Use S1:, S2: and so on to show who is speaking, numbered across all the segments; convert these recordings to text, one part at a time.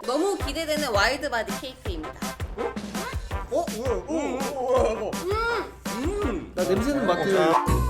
S1: 너무 기대되는 와일드바디 케이크입니다.
S2: 나 냄새는 맡아요.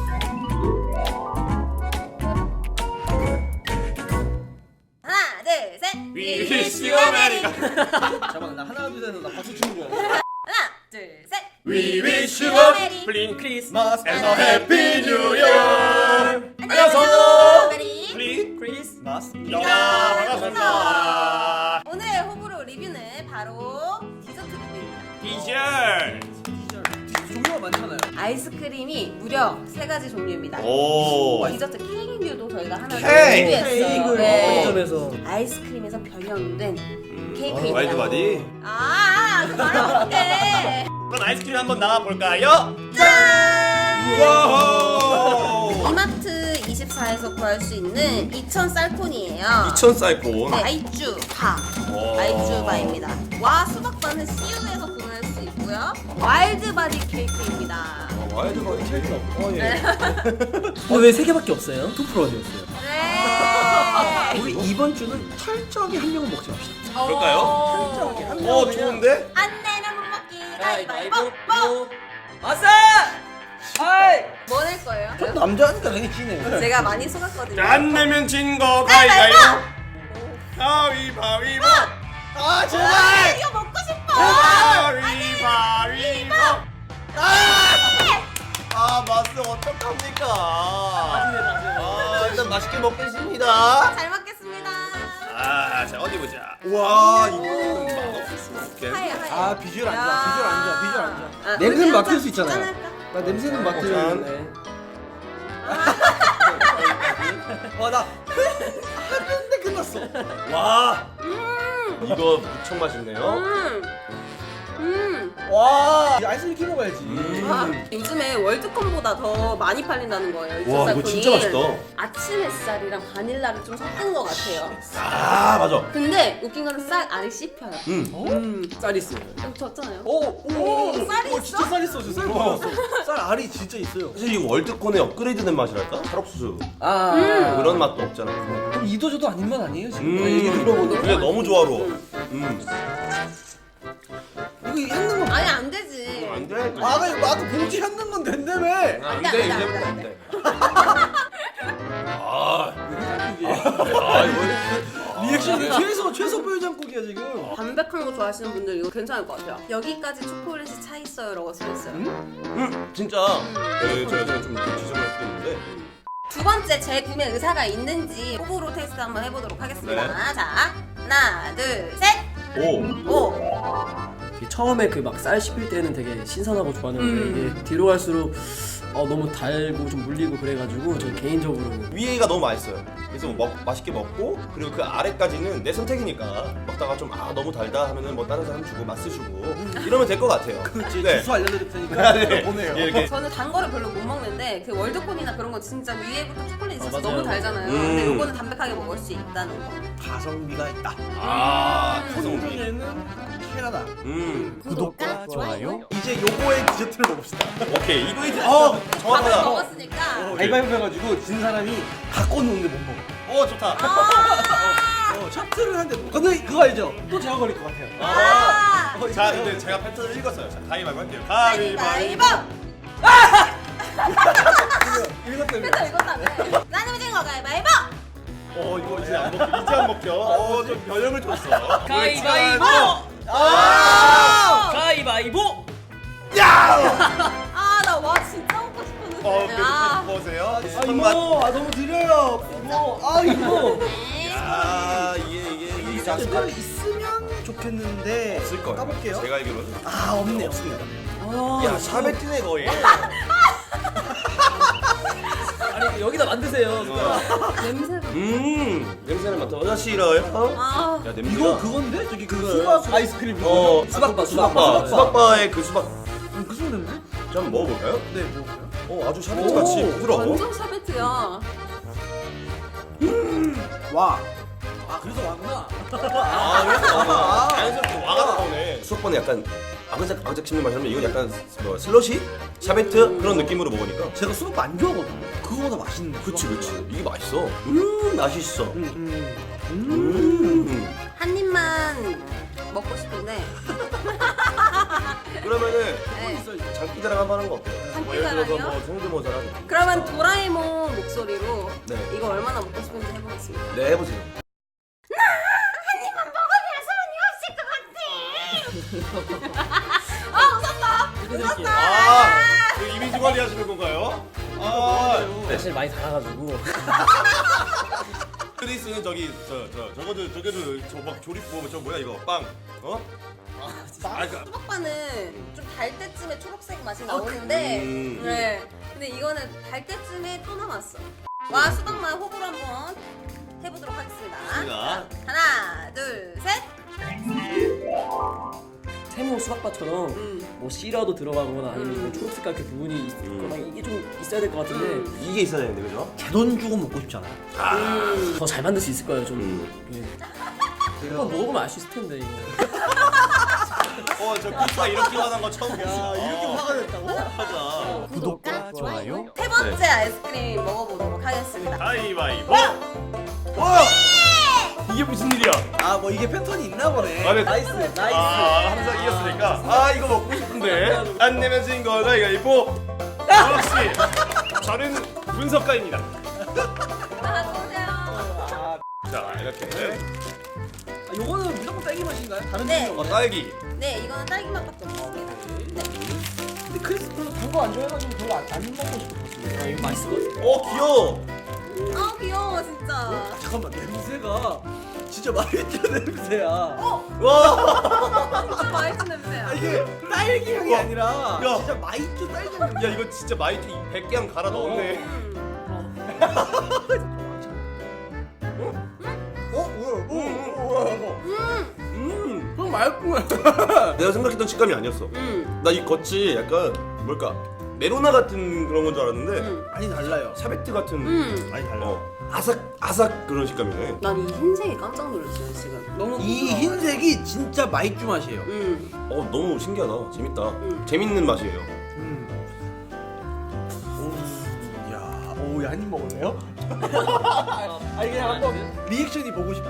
S1: 하나, 둘, 셋.
S3: 위시 아메리카.
S2: 잠깐만 나 하나 둘 셋 나 박수 치는 거야.
S1: 하나, 둘, 셋.
S3: We wish you a blink Christmas and a happy new year. 안녕하세요.
S1: 메리
S3: 크리스마스. 야, 반갑습니다.
S1: 오늘의 호불호 리뷰는 바로 디저트 리뷰입니다.
S3: 디저트.
S2: 종류가 많잖아요.
S1: 아이스크림이 무려 3가지 종류입니다.
S3: 오.
S1: 디저트 케이크류도 저희가 하나
S3: 케이크!
S1: 준비했어요.
S2: 케이크를
S1: 네.
S2: 점에서
S1: 아이스크림에서 변형된 케이크입니다.
S3: 와일드바디.
S1: 그거 알아볼게.
S3: 그럼 아이스크림 한번 나가볼까요?
S1: 짠!
S3: 와우.
S1: 이마트 24에서 구할 수 있는 2000 쌀콘이에요.
S3: 2000 사이폰.
S1: 네, 아이쭈바.
S3: 오.
S1: 아이쭈바입니다. 와 수박바는 CU에서 구매할 수 있고요. 와일드바디 케이크입니다.
S3: 와일드바디 케이크. 예.
S2: 왜 3개밖에 없어요? 2%가 되었어요.
S1: 네.
S2: 우리 이번 주는 철저하게 한 명은 먹지 맙시다.
S3: 그럴까요? 좋은데?
S1: 안 내면 못 먹기 가위바위보.
S2: 아싸! 아이!
S1: 뭐 낼 거예요?
S2: 남자니까 당연히 지네.
S1: 제가 많이 속았거든요.
S3: 안 내면 진 거 가위바위보. 가위바위보. 아 제발.
S1: 이거 먹고 싶어.
S3: 가위바위보. 아 맛은 어떡합니까? 일단 맛있게 먹겠습니다.
S1: 잘 먹겠습니다.
S3: 자 어디 보자. 와 이거는 맛없을 수가 없게.
S1: 하얘.
S2: 아 비주얼 안 좋아. 비주얼 안 좋아. 비주얼 안 좋아.
S1: 아,
S2: 냄새는
S1: 우리
S2: 맡을
S1: 한잔
S2: 수 있잖아요.
S1: 짠할까?
S2: 나 냄새는 맡아요.
S3: 짠.
S2: 네. 나 하는데 끝났어.
S3: 와 이거 무척 맛있네요.
S2: 와, 이 아이스크림 키 먹어야지.
S1: 와, 요즘에 월드컵보다 더 많이 팔린다는 거예요. 이
S3: 와, 이거
S1: 쌀콘이.
S3: 진짜 맛있다.
S1: 아침 햇살이랑 바닐라를 좀 섞은 것 같아요.
S3: 아 맞아.
S1: 근데 웃긴 거는 쌀 알이 씹혀요.
S2: 쌀 있어요.
S1: 좀 졌잖아요.
S2: 오,
S1: 쌀이 있어?
S2: 진짜 쌀 있어. 쌀 먹었어. 쌀 알이 진짜 있어요.
S3: 사실 이 월드콘의 업그레이드된 맛이랄까? 찰옥수수
S2: 아,
S3: 그런 맛도 없잖아.
S2: 그럼 이도저도 아닌 맛 아니에요 지금?
S3: 얘기 들어보니 그게 너무 조화로워.
S2: 이거 했는 건
S1: 아니 안 되지.
S3: 안 돼.
S2: 나도 봉지 했는 건 된다며.
S3: 안
S1: 돼,
S3: 돼,
S1: 안 돼,
S3: 이제부터
S1: 안
S3: 안
S1: 돼.
S3: 돼. 아, 이거
S2: 리액션이 최소 뼈장국이야 지금.
S1: 담백한 거 좋아하시는 분들 이거 괜찮을 것 같아요. 여기까지 초콜릿이 차 있어요라고 써 있어요.
S3: 진짜 제가 좀 지저분할 수도 있는데.
S1: 두 번째 재구매 의사가 있는지 호불호 테스트 한번 해보도록 하겠습니다.
S3: 네.
S1: 자, 하나, 둘, 셋,
S3: 오,
S1: 오.
S4: 처음에 그 막 쌀 씹힐 때는 되게 신선하고 좋았는데 이게 뒤로 갈수록 너무 달고 좀 물리고 그래가지고 저 개인적으로는
S3: 위에가 너무 맛있어요. 그래서 맛있게 먹고 그리고 그 아래까지는 내 선택이니까 먹다가 좀 너무 달다 하면은 뭐 다른 사람 주고 맛을 주고 이러면 될 것 같아요.
S2: 그렇지.
S3: 네.
S2: 주소 알려드릴 테니까
S3: 네.
S2: 보내요.
S3: 예, 이렇게
S1: 저는 단 거를 별로 못 먹는데 그 월드콘이나 그런 거 진짜 위에부터 초콜릿 있어서
S4: 맞아요.
S1: 너무 달잖아요. 근데 요거는 담백하게 먹을 수 있다는 거.
S2: 가성비가 있다.
S3: 가성비.
S2: 소중에는 캐나다.
S1: 구독과 좋아요.
S2: 이제 요거의 디저트를 먹읍시다.
S3: 오케이 이거 이제
S1: 밥을
S3: 정확하다.
S1: 먹었으니까.
S2: 가위바위보 해가지고 진 사람이 갖고 노는데 못 먹어.
S3: 좋다.
S2: 샤트를 하는데 근데 그거 알죠? 또 제가 걸릴 것 같아요.
S3: 자 근데 제가 패턴을 읽었어요. 자 가위바위보 할게요.
S1: 가위바위보.
S2: 이것 때문에.
S1: 그래서 이거다며. 나는 진 거 가위바위보.
S3: 이거 이제 안 먹혀. 이제 안 먹혀. 좀 변형을 줬어.
S4: 가위바위보! 가위바위보!
S1: 아, 나 와 진짜 먹고 싶었는데. 아.
S3: 보세요.
S2: 이모, 너무 드려요. 이모, 이모.
S3: 이게
S2: 색깔 있으면 좋겠는데
S3: 없을 거예요.
S2: 까볼게요.
S3: 제가 알기로는.
S2: 없네, 없습니다.
S3: 야 샤베트네 거의.
S4: 아니 여기다 만드세요.
S1: 냄새가.
S3: 냄새를 맡아. 싫어요?
S1: 아.
S3: 야 냄새가.
S2: 이거 그건데? 저기 수박 아이스크림.
S3: 수박바의 그 수박.
S2: 그 정도인데?
S3: 좀 한번 먹어볼까요?
S2: 네, 먹어요.
S3: 아주 샤베트 같이 부드러워.
S1: 완전 샤베트야.
S2: 와. 그래서 와구나.
S3: 자연스럽게 와가 나오네. 수박바는 약간 아그작 씹는 맛이라면 이건 약간 뭐 슬러시? 샤베트? 그런 느낌으로 먹으니까.
S2: 제가 수박 안 좋아하거든요. 그거보다 맛있네.
S3: 그치. 이게 맛있어. 맛있어.
S1: 한 입만 먹고 싶은데.
S3: 그러면은
S1: 네.
S3: 장기자랑 한번 하는 거 어때요? 뭐 예를 들어서
S1: 장기자랑이요?
S3: 뭐 성대모사라든지.
S1: 그러면 도라에몽 목소리로
S3: 네.
S1: 이거 얼마나 먹고 싶은지 해보겠습니다.
S3: 네, 해보세요. 아, 그 이미지 관리하시는 건가요? 아,
S4: 사실 많이 달아가지고
S3: 크리스는 저기 저거도 저 막 조립 저 뭐야 이거 빵 어?
S1: 수박바는 좀 달 때쯤에 초록색 맛이 나오는데 네. 근데 이거는 달 때쯤에 또 남았어. 와 수박만 호불호 한번 해보도록 하겠습니다.
S3: 좋습니다.
S1: 하나 둘 셋.
S4: 세모 수박바처럼 뭐 씨라도 들어가거나 아니면 뭐 초록색깔 그 부분이 있거나 이게 좀 있어야 될 것 같은데
S3: 이게 있어야 되는데 그죠?
S2: 제 돈 주고 먹고 싶잖아요.
S4: 더 잘 만들 수 있을 거예요 좀. 예. 한번 먹어보면 알 수 있을 텐데 이거.
S3: 저 크리스가 이렇게 화난 거 처음
S2: 야,
S3: 봤어.
S2: 이렇게 화가 됐다고?
S3: 맞아.
S2: 구독과 좋아요.
S1: 세 번째 아이스크림 먹어보도록 하겠습니다.
S3: 가위바위보. 와! 이게 무슨 일이야?
S2: 아, 뭐 이게 패턴이 있나 보네.
S3: 아, 네.
S2: 나이스, 나이스.
S3: 항상 이겼으니까. 아, 이거 먹고 싶은데. 안 내면 진 거 가위바위보. 역시 저는 분석가입니다.
S1: 하나 보세요.
S3: 자, 이렇게.
S2: 아, 요거는 무조건 딸기 맛인가요? 다른
S1: 네.
S2: 종류
S3: 딸기.
S1: 네 이거는 딸기 맛밖에 없습니다. 네.
S2: 근데 크리스 별로 단 거 안 좋아해가지고 별로 안 먹고 싶었어요.
S4: 아 이거 맛있거든.
S3: 귀여워.
S1: 아 귀여워 진짜.
S2: 잠깐만, 냄새가 진짜 마이쮸 냄새야.
S3: 와.
S1: 진짜 맛있는 냄새야.
S2: 아, 이게 딸기 향이
S3: 와.
S2: 아니라
S3: 야.
S2: 진짜 마이쮸 딸기 향.
S3: 야, 이거 진짜 마이트 100개 갈아 넣었네.
S2: 그럼 맛있구나.
S3: 내가 생각했던 식감이 아니었어. 나 이 겉이 약간 뭘까? 메로나 같은 그런 건 줄 알았는데
S2: 많이 달라요.
S3: 샤베트 같은
S2: 많이 달라.
S3: 아삭아삭 그런 식감이네.
S1: 난 이 흰색이 깜짝 놀랐어요 지금. 너무
S2: 이
S1: 부드러워.
S2: 흰색이 진짜 마이쮸 맛이에요.
S3: 너무 신기하다. 재밌다. 재밌는 맛이에요.
S2: 야, 오, 한입 먹을래요? 아니 그냥 한번 리액션이 보고 싶어.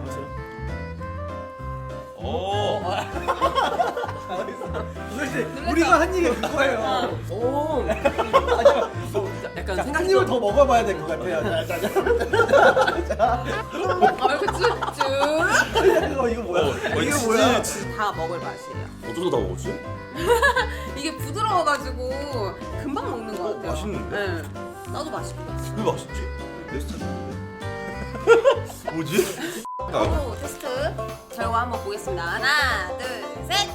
S2: 도대체 우리가 한 입에 그거예요.
S4: 오. 약간
S2: 한 입을 더 먹어봐야 될 것 같아요.
S1: 아 이렇게 쭉쭉
S2: 이거 뭐야? 이게
S3: 진짜
S2: 뭐야?
S1: 다 먹을 맛이에요.
S3: 어쩌다 다 먹었지?
S1: 이게 부드러워가지고 금방 먹는 것 같아요.
S3: 맛있는데?
S1: 네. 나도 맛있게 봤어.
S3: 왜 맛있지? 내 스타일인데. 뭐지?
S1: 바로 테스트 결과 한번 보겠습니다. 하나, 둘, 셋.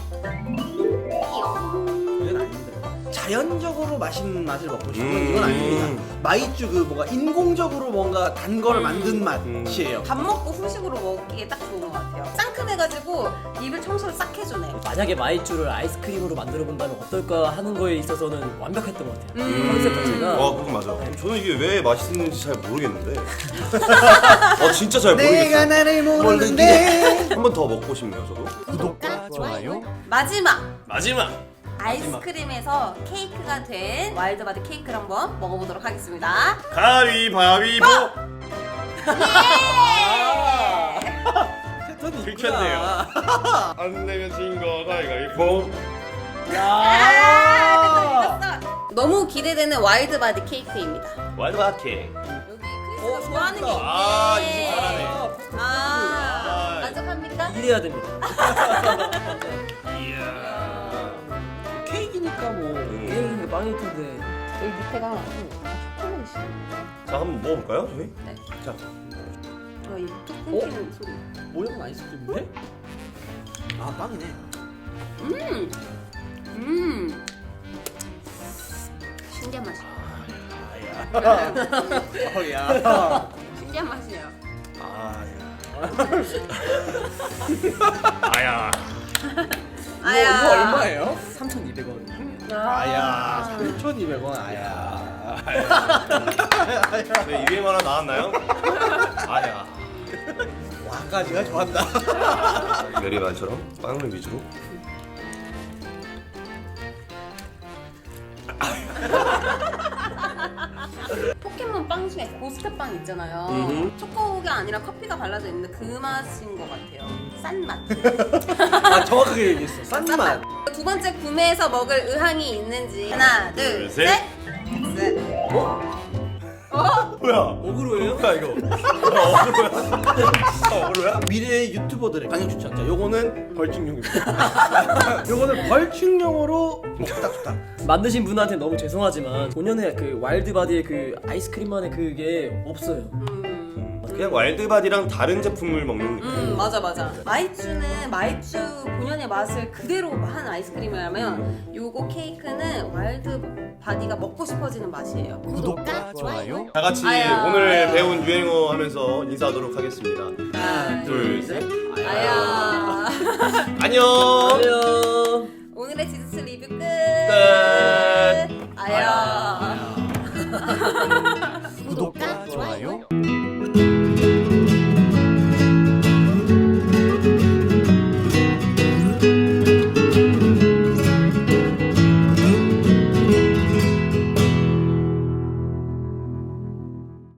S2: 이건 아닙니다. 자연적으로 맛있는 맛을 먹고 싶은 이건
S3: 음.
S2: 아닙니다. 마이쮸 그 뭔가 인공적으로 뭔가 단 거를 만든 맛이에요.
S1: 밥 먹고 후식으로 먹기에 딱 좋은 것 같아요. 상큼해가지고 입을 청소를 싹 해주네.
S4: 만약에 마이쮸를 아이스크림으로 만들어 본다면 어떨까 하는 거에 있어서는 완벽했던 것 같아요.
S1: 음.
S4: 컨셉 자체가.
S3: 그건 맞아. 저는 이게 왜 맛있는지 잘 모르겠는데. 진짜 잘
S2: 내가
S3: 모르겠어.
S2: 나를 모르는데.
S3: 한 번 더 먹고 싶네요, 저도.
S1: 구독과 좋아요. 마지막
S3: 마지막.
S1: 아이스크림에서 케이크가 된 와일드바디 케이크를 한번 먹어보도록 하겠습니다.
S3: 가위바위보.
S2: 패턴이
S3: 들켰네요.
S2: 있구나.
S3: 안 내면 진 거 가위바위보.
S2: 야.
S1: 너무 기대되는 와일드바디 케이크입니다.
S3: 와일드바케.
S1: 여기 크리스가 좋아하는 게 있네.
S3: 이거 잘하네.
S1: 아, 만족합니까?
S4: 이래야 됩니다.
S3: 이야.
S4: 케이크니까 뭐 케이크 빵일 텐데.
S1: 여기 밑에가 초콜릿이.
S3: 자, 한번 먹어볼까요, 저희?
S1: 네.
S3: 자.
S1: 저희 툭 끊기는 소리.
S2: 모양은 아이스크림인데? 아, 빵이네.
S1: 신기한 맛이에요.
S2: 야.
S1: 신기한 맛이에요.
S3: 아야.
S2: 이거 얼마예요?
S4: 3,200원.
S2: 아야. 3,200원. 아야.
S3: 네, 유행 하나 나왔나요? 아야.
S2: 와까지가 좋았다.
S3: 메리만처럼 빵을 위주로.
S1: 포켓몬 빵 중에 고스트 빵 있잖아요. 초코가 아니라 커피가 발라져 있는데 그 맛인 것 같아요. 싼 맛.
S2: 아 정확하게 얘기했어. 싼 맛.
S1: 두 번째 구매해서 먹을 의향이 있는지 하나, 둘,
S3: 셋.
S1: 셋. 셋.
S3: 뭐야?
S2: 어그로예요?
S3: 뭐야 이거? 어그로야?
S2: 미래의 유튜버들의 강력 추천자. 요거는 벌칙용입니다. 요거는 벌칙용으로 딱 좋다.
S4: 만드신 분한테 너무 죄송하지만 본연의 그 와일드바디의 그 아이스크림만의 그게 없어요.
S3: 그냥 와일드바디랑 다른 제품을 먹는 느낌.
S1: 맞아. 마이쮸는 마이쮸 본연의 맛을 그대로 한 아이스크림이라면 요거 케이크는 와일드바디가 먹고 싶어지는 맛이에요.
S2: 구독과 좋아요.
S3: 다 같이
S1: 아야.
S3: 오늘 배운 유행어 하면서 인사하도록 하겠습니다.
S1: 하나,
S3: 둘, 셋.
S1: 아야.
S3: 안녕.
S4: 안녕.
S1: 오늘의 디저트 리뷰 끝.
S3: 끝.